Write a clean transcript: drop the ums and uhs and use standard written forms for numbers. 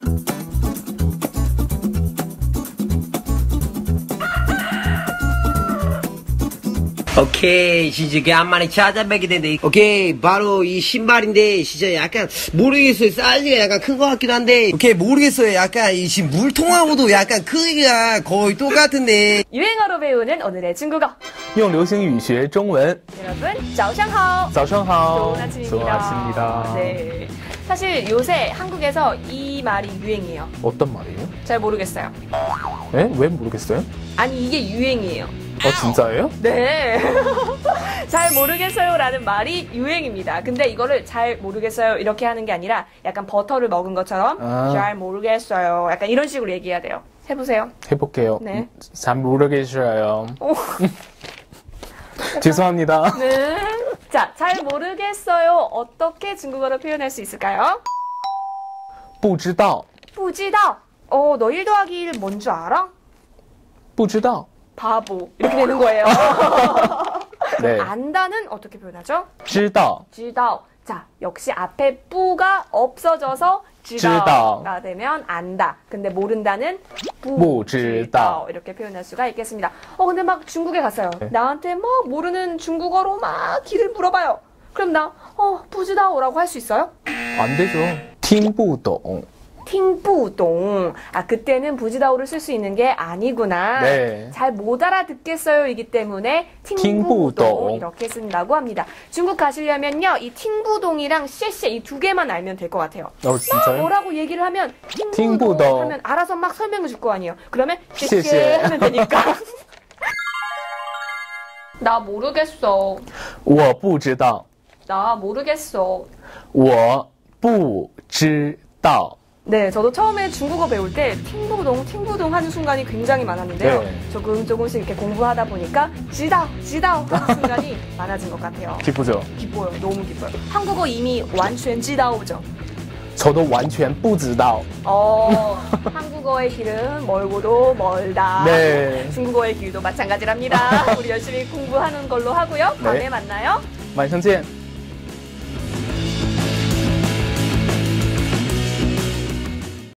오케이, 진짜 간만에 찾아뵙게 됐는데, 오케이, 바로 이 신발인데, 진짜 약간, 모르겠어요. 사이즈가 약간 큰 것 같기도 한데, 오케이, 모르겠어요. 약간, 이 지금 물통하고도 약간 크기가 거의 똑같은데. 유행어로 배우는 오늘의 중국어. 用流行语学中文. 여러분, 早上好. 早上好. 좋은 아침입니다. 좋은 아침입니다. 네. 사실 요새 한국에서 이 말이 유행이에요. 어떤 말이에요? 잘 모르겠어요. 에? 왜 모르겠어요? 아니, 이게 유행이에요. 진짜예요? 네. 잘 모르겠어요 라는 말이 유행입니다. 근데 이거를 잘 모르겠어요 이렇게 하는 게 아니라 약간 버터를 먹은 것처럼 잘 모르겠어요. 약간 이런 식으로 얘기해야 돼요. 해보세요. 해볼게요. 네. 잘 모르겠어요. 죄송합니다. 네. 자, 잘 모르겠어요. 어떻게 중국어로 표현할 수 있을까요? 不知道. 不知道. 너 1 더하기 1 뭔 줄 알아? 不知道. 바보. 이렇게 되는 거예요. 네. 안다는 어떻게 표현하죠? 知道. 知道. 자, 역시 앞에 뿌가 없어져서 知道가 되면 안다. 근데 모른다는 不知道 이렇게 표현할 수가 있겠습니다. 근데 막 중국에 갔어요. 네. 나한테 막 모르는 중국어로 막 길을 물어봐요. 그럼 나 不知道라고 할 수 있어요? 안 되죠. 听不懂. 听不懂. 그때는 부지다오를 쓸 수 있는 게 아니구나. 네. 잘 못 알아듣겠어요 이기 때문에 听不懂 이렇게 쓴다고 합니다. 중국 가시려면요. 이 听不懂이랑 谢谢이 두 개만 알면 될 것 같아요. 진짜요? 뭐라고 얘기를 하면 听不懂 하면 알아서 막 설명해 줄 거 아니에요. 그러면 谢谢谢谢 하면 되니까. 나 모르겠어. 我不知道. 나 모르겠어. 我不知道. 네, 저도 처음에 중국어 배울 때 팅부동 하는 순간이 굉장히 많았는데요. 네. 조금씩 이렇게 공부하다 보니까 지다오 하는 순간이 많아진 것 같아요. 기쁘죠? 기뻐요. 너무 기뻐요. 한국어 이미 완전 지다오죠. 저도 完全不知道. 한국어의 길은 멀고도 멀다. 네. 중국어의 길도 마찬가지랍니다. 우리 열심히 공부하는 걸로 하고요. 다음에 네. 만나요. 晚上见.